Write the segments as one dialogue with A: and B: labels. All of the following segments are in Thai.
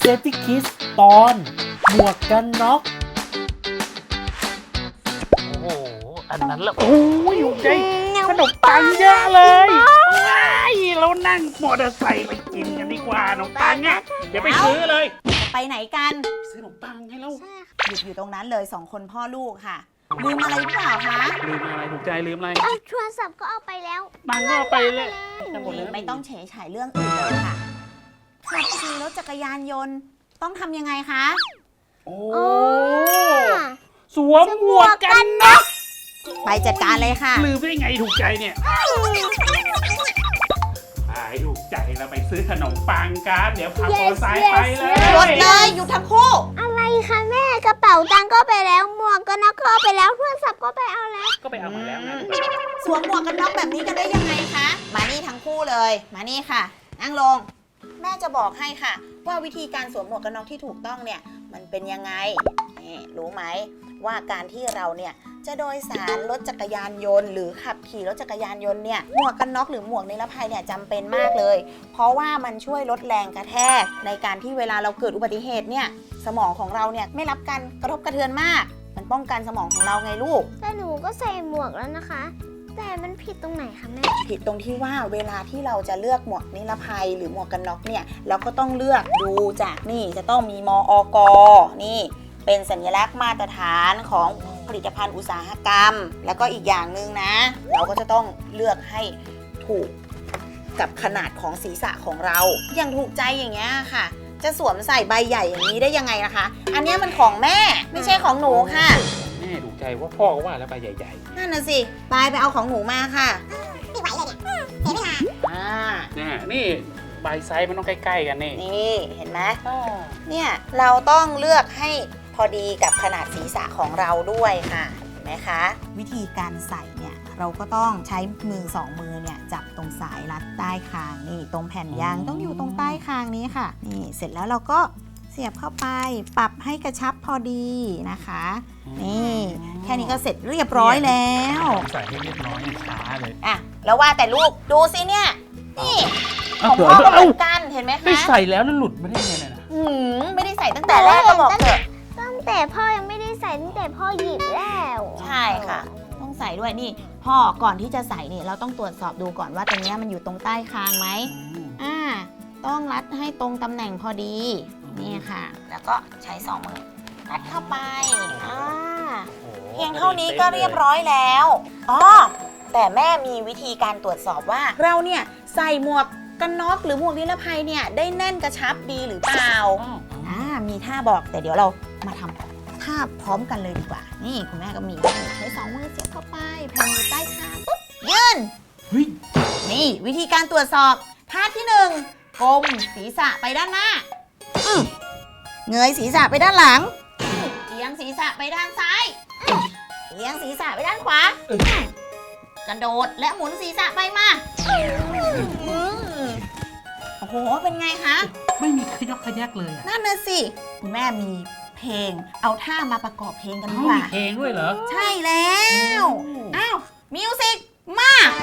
A: Safety Kids ตอนหมวกกันน็อกโอ้โหอันนั้นละโอ้ยอยู่ใจขนมปังเยอะเลยว้ายเรานั่งมอเตอร์ไซค์ไปกินกันดีกว่าขนมปังเนี่ยเดี๋ยวไปซื้อเลย
B: ไปไหนกัน
A: ซื้อขนมปังให้เรา
B: หยุดอยู่ตรงนั้นเลย2 คนพ่อลูกค่ะลืมอะไรหรือเปล่าคะ
A: ลืมอะไรถูกใจลืมอะไร
C: เอาโทรศัพท์ก็เอาไปแล้ว
A: ปังก็เอาไปเลยกันหมดเลย
B: ไม่ต้องเฉยฉายเรื่องอื่นเลยค่ะขับขี่รถจักรยานยนต์ต้องทำยังไงคะ
A: โอ้
C: โอ้
A: สวมหมวกกันน็อก
B: ไปจัดการเลยค่ะ
A: ลืมได้ไงถูกใจเนี่ยถูกใจเราไปซื้อขนมปังกันเดี๋ยวขับมอเตอร์ไซค์ไปเลย
B: รถเลยหยุดทั้งคู่
C: อะไรคะแม่กระเป๋าตังค์ก็ไปแล้วหมวกกันน็อกก็เอาไปแล้วโทรศัพท์ก็ไปเอาแล้ว
A: ก็ไปเอามาแล้วไง
B: สวมหมวกกันน็อกแบบนี้กันได้ยังไงคะมานี่ทั้งคู่เลยมานี่ค่ะนั่งลงแม่จะบอกให้ค่ะ ว่าวิธีการสวมหมวกกันน็อกที่ถูกต้องเนี่ยมันเป็นยังไงนี่รู้ไหมว่าการที่เราเนี่ยจะโดยสารรถจักรยานยนต์หรือขับขี่รถจักรยานยนต์เนี่ยหมวกกันน็อกหรือหมวกนิรภัยเนี่ยจำเป็นมากเลย เพราะว่ามันช่วยลดแรงกระแทกในการที่เวลาเราเกิดอุบัติเหตุเนี่ยสมองของเราเนี่ยไม่รับการกระทบกระเทือนมากมันป้องกันสมองของเราไงลูก
C: แต่หนูก็ใส่หมวกแล้วนะคะ แต่มันผิดตรงไหนคะแม่
B: ผิดตรงที่ว่าเวลาที่เราจะเลือกหมวกนิรภัยหรือหมวกกันน็อกเนี่ยเราก็ต้องเลือกดูจากนี่จะต้องมีมอก.นี่เป็นสัญลักษณ์มาตรฐานของผลิตภัณฑ์อุตสาหกรรม แล้วก็อีกอย่างหนึ่งนะ เราก็จะต้องเลือกให้ถูกกับขนาดของศีรษะของเราอย่างถูกใจอย่างเงี้ยค่ะ จะสวมใส่ใบใหญ่อย่างนี้ได้ยังไงนะคะ อันเนี้ยมันของแม่ไม่ใช่ของหนูค่ะ
A: แม่ถูกใจว่าพ่อก็ว่าแล้วไปใหญ่
B: นั่นน่ะสิไปเอาของหนูมาค่ะไม่ไหวเลยเนี่ยเสียเวลา
A: ๆนี่ใบไซส์มันต้องใกล้ๆกันนี่
B: นี่เห็นไหมเนี่ยเราต้องเลือกให้พอดีกับขนาดศีรษะของเราด้วยค่ะเห็นไหมคะวิธีการใส่เนี่ยเราก็ต้องใช้มือ2 มือเนี่ยจับตรงสายรัดใต้คางนี่ตรงแผ่นยางต้องอยู่ตรงใต้คางนี้ค่ะนี่เสร็จแล้วเราก็เสียบเข้าไปปรับให้กระชับพอดีนะคะนี่แค่นี้ก็เสร็จเรียบร้อยแล้ว
A: ใส่ให้เรียบร้อยช้าเลย
B: อ่ะแล้วว่าแต่ลูกดูสิเนี่ยนี่
A: เอา
B: ของพ่อก็เหมือนกันเห็นไหม
A: ไม่
B: คะ
A: ใส่แล้วแล้วหลุดไม่ได้ไงเนี่ยนะ
B: ไม่ได้ใส่ตั้งแต่แรกก็บอกเถอะ
C: ตั้งแต่พ่อยังไม่ได้ใส่ตั้งแต่พ่อหยิบแล้ว
B: ใช่ค่ะ ต้องใส่ด้วยนี่พ่อก่อนที่จะใส่นี่เราต้องตรวจสอบดูก่อนว่าตรงเนี้ยมันอยู่ตรงใต้คางไหมต้องรัดให้ตรงตำแหน่งพอดีนี่ค่ะ แล้วก็ใช้2 มือรัดเข้าไปเพียงเท่านี้ก็เรียบร้อยแล้วอ๋อแต่แม่มีวิธีการตรวจสอบว่าเราเนี่ยใส่หมวกกันน็อกหรือหมวกนิรภัยเนี่ยได้แน่นกระชับดีหรือเปล่ามีท่าบอกแต่เดี๋ยวเรามาทำท่าพร้อมกันเลยดีกว่านี่คุณแม่ก็มีใช้2 มือเสียบเข้าไปแผ่นอยู่ใต้คางปุ๊บยืนนี่วิธีการตรวจสอบท่าที่1ก้มศีรษะไปด้านหน้าเงยศีรษะไปด้านหลังเอียงศีรษะไปด้านซ้ายเอียงศีรษะไปด้านขวากระโดดและหมุนศีรษะไปมาโอ้โหเป็นไงคะ
A: ไม่มีขยอกขยักเลยอ่ะ
B: นั่นน่ะสิคุณแม่มีเพลงเอาท่ามาประกอบเพลงกันดีกว่า
A: มีเพลงด้วยเหรอ
B: ใช่แล้วอ้าวมิวสิกมา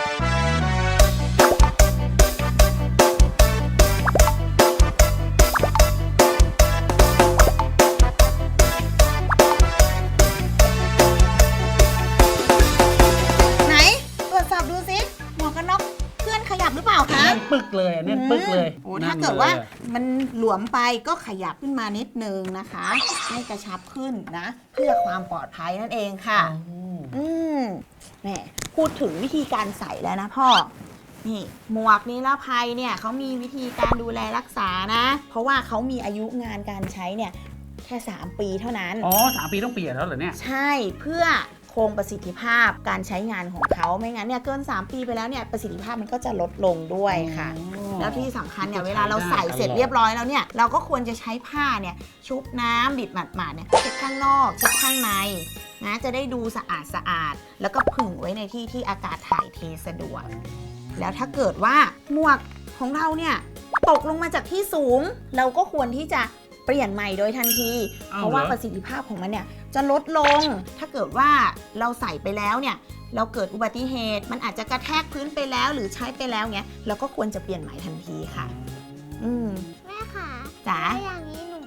B: ไหนตรวจสอบดูสิหมวกกันน็อกเพื่อนขยับหรือเปล่าคะ
A: แน่นปึกเลยอ่ะแน่นปึกเลย
B: โอ้ถ้าเกิดว่ามันหลวมไปก็ขยับขึ้นมานิดนึงนะคะ ให้กระชับขึ้นนะ เพื่อความปลอดภัยนั่นเองค่ะแหมพูดถึงวิธีการใส่แล้วนะพ่อนี่หมวกนิรภัยเนี่ยเขามีวิธีการดูแลรักษานะ เพราะว่าเขามีอายุงานการใช้เนี่ยแค่3 ปีเท่านั้น
A: อ๋อ3 ปีต้องเปลี่ยนแล้วเหรอเนี่ย
B: ใช่เพื่อคงประสิทธิภาพการใช้งานของเขาไม่งั้นเนี่ยเกิน3 ปีไปแล้วเนี่ยประสิทธิภาพมันก็จะลดลงด้วยค่ะ แล้วที่สำคัญเนี่ยเวลาเราใส่เสร็จเรียบร้อยแล้วเนี่ยเราก็ควรจะใช้ผ้าเนี่ยชุบน้ำบิดหมาดๆเนี่ยเช็ดข้างนอกเช็ดข้างในนะจะได้ดูสะอาดแล้วก็ผึ่งไว้ในที่ที่อากาศถ่ายเทสะดวกแล้วถ้าเกิดว่าหมวกของเราเนี่ยตกลงมาจากที่สูงเราก็ควรที่จะเปลี่ยนใหม่โดยทันทีเพราะว่าประสิทธิภาพของมันเนี่ยจะลดลงถ้าเกิดว่าเราใส่ไปแล้วเนี่ยเราเกิดอุบัติเหตุมันอาจจะกระแทกพื้นไปแล้วหรือใช้ไปแล้วเงี้ยเราก็ควรจะเปลี่ยนใหม่ทันทีค่ะ
C: แม่ค่ะ
B: จ๋า
C: ถ้าอย่างนี้หนู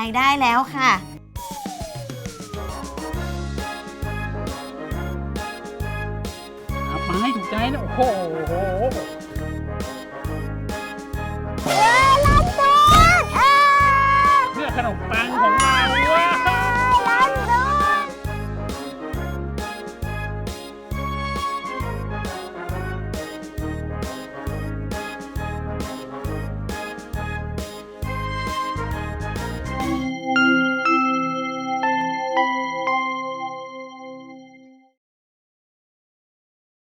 B: ได้แล้วค่ะ
A: เอามาให้ถูกใจนะโอ้โห